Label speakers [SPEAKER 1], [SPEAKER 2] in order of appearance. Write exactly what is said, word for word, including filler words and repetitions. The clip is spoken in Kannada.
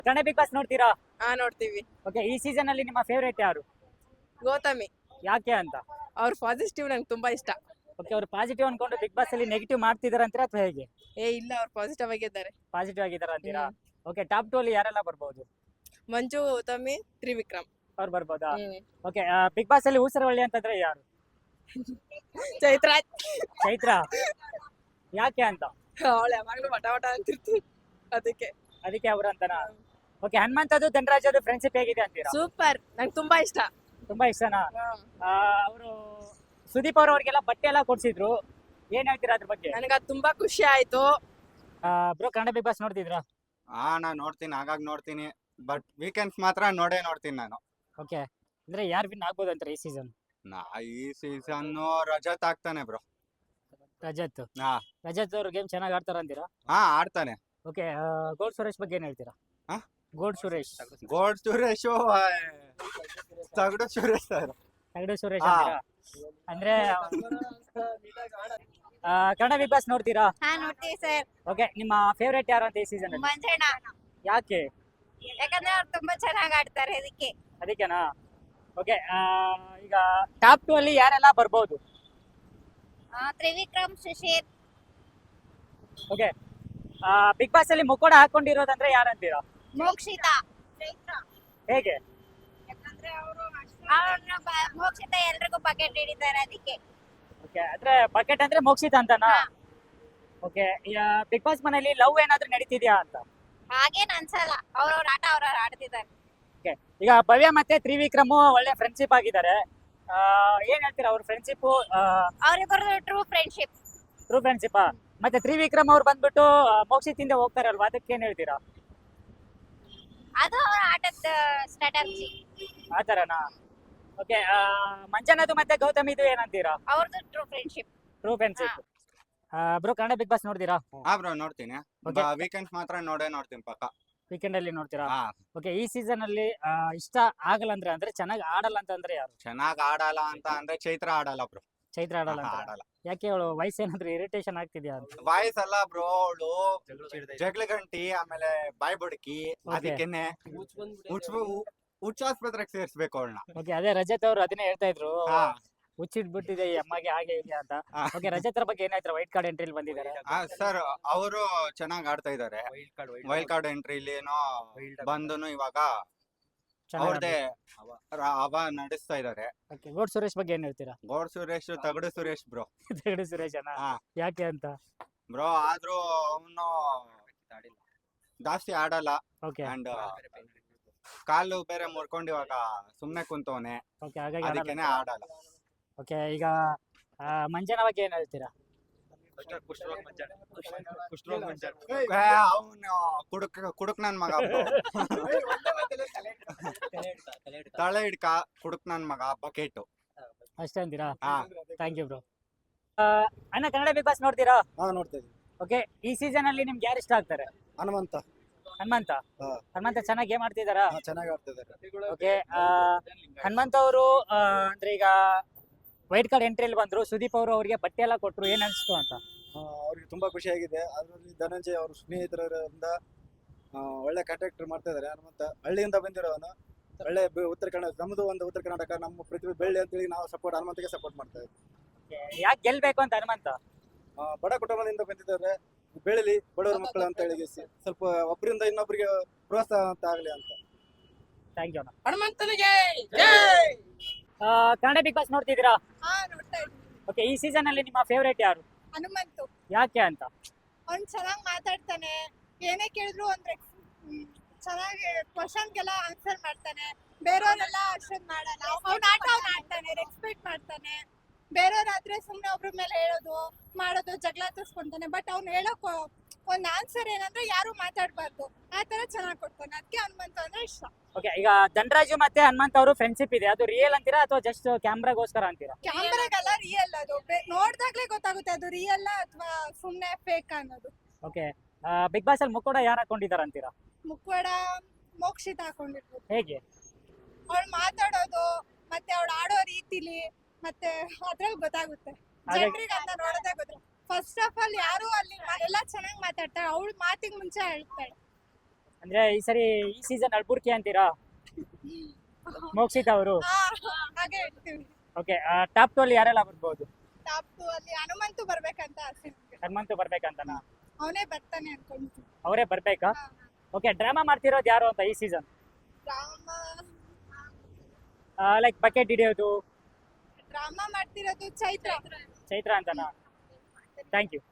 [SPEAKER 1] ಕನ್ನಡ ಬಿಗ್ ಬಾಸ್ ನೋಡ್ತೀರಾ?
[SPEAKER 2] ಹಾ ನೋಡ್ತೀವಿ.
[SPEAKER 1] ಓಕೆ, ಈ ಸೀಸನ್ ಅಲ್ಲಿ ನಿಮ್ಮ ಫೇವರೇಟ್ ಯಾರು?
[SPEAKER 2] ಗೌತಮಿ
[SPEAKER 1] ಯಾಕೆ ಅಂತ?
[SPEAKER 2] ಅವ್ರ ಪಾಸಿಟಿವ್ ನಂಗೆ ತುಂಬಾ ಇಷ್ಟ.
[SPEAKER 1] ಓಕೆ, ಅವ್ರು ಪಾಸಿಟಿವ್ ಅನ್ಕೊಂಡು ಬಿಗ್ ಬಾಸ್ ಅಲ್ಲಿ ನೆಗೆಟಿವ್ ಮಾಡ್ತಿದಾರ ಅಂತೀರಾ ಅಥವಾ ಹೇಗೆ?
[SPEAKER 2] ಏ ಇಲ್ಲ, ಅವ್ರು ಪಾಸಿಟಿವ್ ಆಗಿದ್ದಾರೆ.
[SPEAKER 1] ಪಾಸಿಟಿವ್ ಆಗಿದಾರ ಅಂತೀರಾ?
[SPEAKER 2] ಹ್ಮ್.
[SPEAKER 1] ಓಕೆ, ಟಾಪ್ ಟು ಅಲ್ಲಿ ಯಾರೆಲ್ಲ ಬರ್ಬೋದು?
[SPEAKER 2] ಮಂಜು, ಗೌತಮಿ, ತ್ರಿವಿಕ್ರಮ್.
[SPEAKER 1] ಅವ್ರು ಬರ್ಬೋದಾ?
[SPEAKER 2] ಹ್ಮ್.
[SPEAKER 1] ಓಕೆ, ಬಿಗ್ ಬಾಸ್ ಅಲ್ಲಿ ಊಸರವಳ್ಳಿ ಅಂತಂದ್ರೆ ಯಾರು?
[SPEAKER 2] ಚೈತ್ರ
[SPEAKER 1] ಚೈತ್ರ. ಯಾಕೆ ಅಂತ?
[SPEAKER 2] ಅವಳು ಯಾವಾಗ್ಲೂ ಮಟ ಮಟ ಅಂತಿರ್ತೀವಿ ಅದಕ್ಕೆ.
[SPEAKER 1] ಅದಕ್ಕೆ ಅವ್ರು ಅಂತನಾ? ಓಕೆ, ಹನುಮಂತದ್ದು ಧನರಾಜದು ಫ್ರೆಂಡ್ಶಿಪ್ ಹೇಗಿದೆ ಅಂತೀರಾ?
[SPEAKER 2] ಸೂಪರ್, ನಂಗೆ ತುಂಬಾ ಇಷ್ಟ.
[SPEAKER 1] ತುಂಬಾ ಇಷ್ಟನಾ? ಅವರು ಸುದೀಪ್ ಅವ್ರ ಅವ್ರಿಗೆಲ್ಲ ಬಟ್ಟೆ ಎಲ್ಲ ಕೊಡ್ಸಿದ್ರು, ಏನ್ ಹೇಳ್ತೀರಾ ಅದ್ರ ಬಗ್ಗೆ?
[SPEAKER 2] ನನಗೆ ಅದು ತುಂಬಾ ಖುಷಿ ಆಯ್ತು.
[SPEAKER 1] ಬ್ರೋ, ಕನ್ನಡ ಬಿಗ್ ಬಾಸ್ ನೋಡ್ತಿದ್ರಾ?
[SPEAKER 3] ಹಾ ನಾನ್ ನೋಡ್ತೀನಿ, ಆಗಾಗ್ ನೋಡ್ತೀನಿ. ಬಟ್ ವೀಕೆಂಡ್ಸ್ ಮಾತ್ರ ನೋಡೇ ನೋಡ್ತೀನಿ ನಾನು.
[SPEAKER 1] ಓಕೆ, ಅಂದ್ರೆ ಯಾರು ವಿನ್ ಆಗ್ಬೋದು ಅಂತಾರೆ ಈ ಸೀಸನ್?
[SPEAKER 3] ನಾ ಈ ಸೀಸನ್ ರಜತ್ ಆಗ್ತಾನೆ ಬ್ರೋ.
[SPEAKER 1] ರಜತ್.
[SPEAKER 3] ಹಾ
[SPEAKER 1] ರಜತ್ ಅವರು ಗೇಮ್ ಚೆನ್ನಾಗಿ ಆಡ್ತಾರ ಅಂತೀರಾ?
[SPEAKER 3] ಹಾ ಆಡ್ತಾನೆ.
[SPEAKER 1] ಓಕೆ, ಗೋಲ್ಡ್ ಸುರೇಶ್ ಬಗ್ಗೆ ಏನ್ ಹೇಳ್ತೀರಾ?
[SPEAKER 3] ಹಾ?
[SPEAKER 1] ಗೋಲ್ಡ್ ಸುರೇಶ್.
[SPEAKER 3] ಗೋಲ್ಡ್ ಸುರೇಶ್, ತಗಡು ಸುರೇಶ್ ಸರ್.
[SPEAKER 1] ತಗಡು ಸುರೇಶ್
[SPEAKER 3] ಹಾ.
[SPEAKER 1] ಅಂತೀರಾ? ಅಂದ್ರೆ ಆ, ಕನ್ನಡ ಬಿಗ್ ಬಾಸ್ ನೋಡ್ತೀರಾ?
[SPEAKER 4] ಹಾ ನೋಡ್ತೀವಿ ಸರ್.
[SPEAKER 1] ಓಕೆ, ನಿಮ್ಮ ಫೇವರೇಟ್ ಯಾರು ಅಂತ ಈ ಸೀಸನ್ ಅಲ್ಲಿ?
[SPEAKER 4] ಮಂಜಣ್ಣ,
[SPEAKER 1] ಯಾಕೆ?
[SPEAKER 4] ಯಾಕಂದ್ರೆ ಅವ್ರು ತುಂಬಾ ಚೆನ್ನಾಗಿ ಆಡ್ತಾರೆ ಅದಕ್ಕೆ.
[SPEAKER 1] ಅದಕ್ಕೆನಾ? ಓಕೆ, ಈಗ ಟಾಪ್ ಟು ಅಲ್ಲಿ ಯಾರೆಲ್ಲ ಬರ್ಬೋದು?
[SPEAKER 4] ಆ, Trivikram, Susheer.
[SPEAKER 1] Okay, big boss ಅಲ್ಲಿ ಮುಕ್ಕೋಡ ಹಾಕೊಂಡಿರೋದಂದ್ರೆ ಯಾರಂತೀರಾ?
[SPEAKER 4] ಮೋಕ್ಷಿತಾ.
[SPEAKER 1] ಹೇಗೆ?
[SPEAKER 4] ಅವ್ರನ್ನ ಬ- ಮೋಕ್ಷಿತಾ ಎಲ್ರಿಗೂ ಬಕೆಟ್ ಹಿಡಿತಾರೆ ಅದಕ್ಕೆ.
[SPEAKER 1] ಓಕೆ, ಅಂದ್ರೆ ಬಕೆಟ್ ಅಂದ್ರೆ ಮೋಕ್ಷಿತ ಅಂತನಾ?
[SPEAKER 4] ಹಾ.
[SPEAKER 1] ಓಕೆ, ಬಿಗ್ ಬಾಸ್ ಮನೇಲಿ ಲವ್ ಏನಾದ್ರೂ ನಡೀತಿದ್ಯಾ ಅಂತ?
[SPEAKER 4] ಹಾಗೇನ್ ಅನ್ಸಲ್ಲ, ಅವ್ರವ್ರ ಆಟ ಅವ್ರವ್ರು ಆಡ್ತಿದ್ದಾರೆ.
[SPEAKER 1] ಓಕೆ, ಈಗ ಭವ್ಯ ಮತ್ತೆ ತ್ರಿವಿಕ್ರಮ್ ಒಳ್ಳೆ ಫ್ರೆಂಡ್ಶಿಪ್ ಆಗಿದ್ದಾರೆ. ಆ, ಏನ್ ಹೇಳ್ತೀರಾ ಅವ್ರ ಫ್ರೆಂಡ್ಶಿಪ್?
[SPEAKER 4] ಅವ್ರಿಬ್ಬರದು ಟ್ರೂ ಫ್ರೆಂಡ್ಶಿಪ್.
[SPEAKER 1] True friendship. ಮತ್ತೆ ತ್ರಿವಿಕ್ರಮ್ ಅವ್ರು ಬಂದ್ಬಿಟ್ಟು ಆ, ಮೋಕ್ಷಿತಿಂದ ಹೋಗ್ತಾರಲ್ವಾ, ಅದಕ್ಕೆ ಏನ್ ಹೇಳ್ತೀರಾ?
[SPEAKER 4] ಅದು ಅವ್ರ ಆಟದ ಸ್ಟ್ರಾಟಜಿ.
[SPEAKER 1] ಆ ತರನಾ? ಓಕೆ, ಮಂಜನದು ಮತ್ತೆ ಗೌತಮಿದು ಏನಂತೀರಾ?
[SPEAKER 4] ಅವ್ರದ್ದು true friendship.
[SPEAKER 1] True friendship. Bro, Kannada big boss ನೋಡ್ತೀರಾ?
[SPEAKER 3] ಹಾ ಬ್ರೋ ನೋಡ್ತೀನಿ.
[SPEAKER 1] Okay.
[SPEAKER 3] ವೀಕೆಂಡ್ಸ್ ಮಾತ್ರ ನೋಡೇ ನೋಡ್ತೀನಿ ಪಕ್ಕ.
[SPEAKER 1] ವೀಕೆಂಡ್ ಅಲ್ಲಿ ನೋಡ್ತೀರಾ?
[SPEAKER 3] ಹಾ
[SPEAKER 1] ಓಕೆ, ಈ ಸೀಸನ್ ಅಲ್ಲಿ ಆ, ಇಷ್ಟ ಆಗಲ್ಲ ಅಂದ್ರೆ ಅಂದ್ರೆ ಚೆನ್ನಾಗಿ ಆಡಲ್ಲ ಅಂತಂದ್ರೆ ಯಾರು?
[SPEAKER 3] ಚೆನ್ನಾಗ್ ಆಡಲ್ಲ ಅಂತ ಅಂದ್ರೆ ಚೈತ್ರ ಆಡಲ್ಲ ಬ್ರೋ.
[SPEAKER 1] ಚೈತ್ರ ಆಡಲ್ಲ ಅಂತ?
[SPEAKER 3] ಆಡಲ್ಲ.
[SPEAKER 1] ಯಾಕೆ? ಅವಳು ವಯಸ್ಸೇನಾದ್ರೂ ಇರಿಟೇಷನ್ ಆಗ್ತಿದ್ಯಾ ಅಂತ?
[SPEAKER 3] ವಾಯ್ಸ್ ಅಲ್ಲ ಬ್ರೋ, ಅವಳು ಜಗಳ ಗಂಟಿ, ಆಮೇಲೆ ಬಾಯ್ ಬುಡಕಿ,
[SPEAKER 1] Okay.
[SPEAKER 3] ಅದಕ್ಕೆನೆ ಹುಚ್ಚಾಸ್ಪತ್ರೆಗೆ ಸೇರ್ಸ್ಬೇಕು ಅವಳನ್ನ.
[SPEAKER 1] ಓಕೆ, ಅದೇ ರಜತ್ ಅವರು ಅದನ್ನೇ ಹೇಳ್ತಾ ಇದ್ರು,
[SPEAKER 3] ಹಾ
[SPEAKER 1] ಹುಚ್ಚಿಟ್ಬಿಟ್ಟಿದೆ ಈ ಅಮ್ಮಗೆ ಹಾಗೆ ಹೀಗೆ ಅಂತ.
[SPEAKER 3] ಹಾ.
[SPEAKER 1] ಓಕೆ, ರಜತ್ ಅವ್ರ ಬಗ್ಗೆ ಏನಾಯ್ತು? ವೈಟ್ ಕಾರ್ಡ್ ಎಂಟ್ರಿಲಿ ಬಂದಿದ್ದಾರೆ.
[SPEAKER 3] ಹಾ ಸರ್, ಅವರು ಚೆನ್ನಾಗ್ ಆಡ್ತಾ ಇದಾರೆ. ವೈಲ್ಡ್ ಕಾರ್ಡ್ ಎಂಟ್ರಿಲಿ ಏನೋ ಬಂದನು ಇವಾಗ ಅವ್ರದೇ ಹವಾ ನಡೆಸ್ತಾ ಇದಾರೆ.
[SPEAKER 1] ಓಕೆ, ಗೋಡ್ ಸುರೇಶ್ ಬಗ್ಗೆ ಏನ್ ಹೇಳ್ತೀರಾ?
[SPEAKER 3] ಗೋಡ್ ಸುರೇಶ್ ತಗಡು ಸುರೇಶ್ ಬ್ರೋ.
[SPEAKER 1] ತಗಡು ಸುರೇಶ್ ಅಣ್ಣ?
[SPEAKER 3] ಹಾ
[SPEAKER 1] ಯಾಕೆ ಅಂತ?
[SPEAKER 3] ಬ್ರೋ, ಆದ್ರೂ ಅವನು ಜಾಸ್ತಿ ಆಡಲ್ಲ.
[SPEAKER 1] ಓಕೆ.
[SPEAKER 3] ಅಂಡ್ ಕಾಲು ಬೇರೆ ಮುರ್ಕೊಂಡು ಇವಾಗ ಸುಮ್ನೆ ಕುಂತವನೆ,
[SPEAKER 1] ಓಕೆ, ಹಾಗಾಗಿ
[SPEAKER 3] ಅದಕ್ಕೇನೆ ಆಡಲ್ಲ.
[SPEAKER 1] ಓಕೆ, ಈಗ ಆ, ಮಂಜನ ಬಗ್ಗೆ ಏನ್ ಹೇಳ್ತೀರಾ?
[SPEAKER 3] ಅವನು ಕುಡುಕ್ ಕುಡುಕ್ ನನ್ ಮಗ bro. ತಲೆ ಹಿಡ್ಕ ಕುಡುಕ್ ನನ್ ಮಗ ಬಕೆಟ್.
[SPEAKER 1] ಅಷ್ಟೇ ಅಂತೀರಾ?
[SPEAKER 3] ಹಾ
[SPEAKER 1] ಥ್ಯಾಂಕ್ ಯು ಬ್ರೋ. ಅಣ್ಣ, ಕನ್ನಡ ಬಿಗ್ ಬಾಸ್ ನೋಡ್ತೀರಾ?
[SPEAKER 5] ಹಾ ನೋಡ್ತಾ ಇದ್ದೀವಿ.
[SPEAKER 1] ಓಕೆ, ಈ ಸೀಸನ್ ಅಲ್ಲಿ ನಿಮ್ಗೆ ಯಾರು ಇಷ್ಟ ಆಗ್ತಾರೆ?
[SPEAKER 5] ಹನುಮಂತ.
[SPEAKER 1] ಹನುಮಂತ.
[SPEAKER 5] ಹಾ.
[SPEAKER 1] ಹನುಮಂತ ಚೆನ್ನಾಗಿ ಗೇಮ್ ಆಡ್ತಿದಾರಾ?
[SPEAKER 5] ಹಾ, ಚೆನ್ನಾಗಿ ಆಡ್ತಿದ್ದಾರೆ.
[SPEAKER 1] ಓಕೆ, ಹನುಮಂತ ಅವರು ಅಂದ್ರೆ ಈಗ ವೈಟ್ ಕಾರ್ಡ್ ಎಂಟ್ರಿಯಲ್ಲಿ ಬಂದ್ರು, ಸುದೀಪ್ ಅವರು ಅವರಿಗೆ ಬಟ್ಟೆ ಎಲ್ಲ ಕೊಟ್ರು, ಏನ್ ಅನ್ಸ್ತು ಅಂತ?
[SPEAKER 5] ಆ, ಅವ್ರಿಗೆ ತುಂಬಾ ಖುಷಿ ಆಗಿದೆ. ಅದರಲ್ಲಿ ಧನಂಜಯ್ ಅವ್ರ ಸ್ನೇಹಿತರಿಂದ ಆ, ಒಳ್ಳೆ ಕಾಂಟ್ಯಾಕ್ಟ್ ಮಾಡ್ತಾ ಇದ್ದಾರೆ. ಹನುಮಂತ ಹಳ್ಳಿಯಿಂದ ಬಂದಿರೋನು, ಒಳ್ಳೆ ಬೆ- ಉತ್ತರ ಕನ್ನಡ, ನಮ್ದು ಒಂದು ಉತ್ತರ ಕರ್ನಾಟಕ, ನಮ್ಮ ಪೃಥ್ವಿ ಬೆಳ್ಳಿ ಅಂತೇಳಿ ನಾವು ಸಪೋರ್ಟ್ ಹನುಮಂತಗೆ ಸಪೋರ್ಟ್ ಮಾಡ್ತಾ ಇದ್ದೀವಿ.
[SPEAKER 1] ಯಾಕೆ ಗೆಲ್ಬೇಕು ಅಂತ ಹನುಮಂತ?
[SPEAKER 5] ಆ, ಬಡ ಕುಟುಂಬದಿಂದ ಬಂದಿದ್ದಾರೆ, ಬೆಳಿಲಿ ಬಡವರ ಮಕ್ಕಳು ಅಂತ ಹೇಳಿ ಸ್ವಲ್ಪ ಒಬ್ಬರಿಂದ ಇನ್ನೊಬ್ಬರಿಗೆ ಪ್ರೋತ್ಸಾಹ ಅಂತ ಆಗ್ಲಿ ಅಂತ.
[SPEAKER 1] ಥ್ಯಾಂಕ್ ಯು ಅಣ್ಣ.
[SPEAKER 2] ಹನುಮಂತನಿಗೆ
[SPEAKER 1] ಆ, ಕನ್ನಡ ಬಿಗ್ ಬಾಸ್ ನೋಡ್ತಿದ್ದೀರಾ?
[SPEAKER 4] ಹಾ ನೋಡ್ತಾ ಇದ್ವಿ.
[SPEAKER 1] ಓಕೆ, ಈ ಸೀಸನ್ ಅಲ್ಲಿ ನಿಮ್ಮ ಫೇವರೇಟ್ ಯಾರು?
[SPEAKER 4] ಹನುಮಂತು.
[SPEAKER 1] ಯಾಕೆ ಅಂತ?
[SPEAKER 4] ಅವ್ನು ಚೆನ್ನಾಗಿ ಮಾತಾಡ್ತಾನೆ, ಏನೇ ಕೇಳಿದ್ರು ಅಂದ್ರೆ ಚೆನ್ನಾಗಿ ಕ್ವಶನ್ಗೆಲ್ಲ ಆನ್ಸರ್ ಮಾಡ್ತಾನೆ. ಬೇರೆಯವರೆಲ್ಲ ಅಷ್ಟೊಂದು ಮಾಡಲ್ಲ. ಅವ್ನ ಆಟ ಅವ್ನು ಆಡ್ತಾನೆ, ರೆಸ್ಪೆಕ್ಟ್ ಮಾಡ್ತಾನೆ. ಬೇರೆಯವ್ರಾದ್ರೆ ಸುಮ್ಮನೆ ಒಬ್ರ ಮೇಲೆ ಹೇಳೋದು ಮಾಡೋದು, ಜಗಳ ತರ್ಸ್ಕೊಂತಾನೆ. ಬಟ್ ಅವ್ನು ಹೇಳೋಕ್ ಒಂದ್ ಆನ್ಸರ್ ಏನಂದ್ರೆ ಯಾರು ಮಾತಾಡ್ಬಾರ್ದು, ಆ ತರ ಚೆನ್ನಾಗಿ ಕೊಡ್ತಾನೆ. ಅದಕ್ಕೆ ಹನುಮಂತ ಅಂದ್ರೆ ಇಷ್ಟ.
[SPEAKER 1] ಓಕೆ, ಈಗ ಧನರಾಜು ಮತ್ತೆ ಹನುಮಂತ ಅವರು ಫ್ರೆಂಡ್ಶಿಪ್ ಇದೆ, ಅದು ರಿಯಲ್ ಅಂತೀರಾ ಅಥವಾ ಜಸ್ಟ್ ಕ್ಯಾಮ್ರಾಗೋಸ್ಕರ ಅಂತೀರಾ?
[SPEAKER 4] ಕ್ಯಾಮ್ರಾಗೆಲ್ಲ ರಿಯಲ್, ಅದು ಬೆ- ನೋಡ್ದಾಗ್ಲೇ ಗೊತ್ತಾಗುತ್ತೆ ಅದು ರಿಯಲ್ ಅಥವಾ ಸುಮ್ನೆ ಫೇಕ್ ಅನ್ನೋದು.
[SPEAKER 1] ಓಕೆ, ಬಿಗ್ ಬಾಸ್ ಅಲ್ಲಿ ಮುಕ್ಕೋಡ ಯಾರು ಹಾಕೊಂಡಿದಾರ ಅಂತೀರಾ?
[SPEAKER 4] ಮುಖವಾಡ ಮೋಕ್ಷಿತ ಹಾಕೊಂಡಿರ್ಬೋದು.
[SPEAKER 1] ಹೇಗೆ?
[SPEAKER 4] ಅವಳು ಮಾತಾಡೋದು ಮತ್ತೆ ಅವಳು ಆಡೋ ರೀತಿಲಿ ಮತ್ತೆ ಅದ್ರಲ್ಲಿ ಗೊತ್ತಾಗುತ್ತೆ.
[SPEAKER 1] ಹಾಗಾಗಿ-
[SPEAKER 4] ಜನರಿಗೆ ಅಂತ ನೋಡೋದೇ ಗೊತ್ತಿಲ್ಲ. ಫಸ್ಟ್ ಆಫ್ ಆಲ್ ಯಾರು ಅಲ್ಲಿ ಮಾ- ಎಲ್ಲ ಚೆನ್ನಾಗಿ ಮಾತಾಡ್ತಾಳೆ, ಅವಳು ಮಾತಿಗೆ ಮುಂಚೆ ಹೇಳ್ತಾಳೆ.
[SPEAKER 1] ಅಂದ್ರೆ ಈ ಸರಿ ಈ ಸೀಸನ್ ಅಳ್ಬುರ್ಕಿ ಅಂತೀರಾ ಮೋಕ್ಷಿತ್ ಅವರು?
[SPEAKER 4] ಹಾ, ಹಾಗೆ ಹೇಳ್ತೀವಿ.
[SPEAKER 1] ಓಕೆ, ಟಾಪ್ ಟು ಅಲ್ಲಿ ಯಾರೆಲ್ಲ ಬರ್ಬೋದು?
[SPEAKER 4] ಟಾಪ್ ಟು ಅಲ್ಲಿ ಹನುಮಂತು ಬರ್ಬೇಕಂತ ಆಸೆ ನಮ್ಗೆ.
[SPEAKER 1] ಹನುಮಂತು ಬರ್ಬೇಕಂತನಾ?
[SPEAKER 4] ಅವನೇ ಬರ್ತಾನೆ ಅನ್ಕೊಂತೀನಿ.
[SPEAKER 1] ಅವರೇ ಬರ್ಬೇಕಾ?
[SPEAKER 4] ಹಾ,
[SPEAKER 1] ಓಕೆ, ಡ್ರಾಮಾ ಮಾಡ್ತಿರೋದು ಯಾರು ಅಂತ ಈ ಸೀಸನ್?
[SPEAKER 4] ಡ್ರಾಮಾ
[SPEAKER 1] ಲೈಕ್ ಬಕೆಟ್ ಹಿಡಿಯೋದು
[SPEAKER 4] ಡ್ರಾಮಾ ಮಾಡ್ತಿರೋದು ಚೈತ್ರ.
[SPEAKER 1] ಚೈತ್ರ ಅಂತನಾ? Thank you.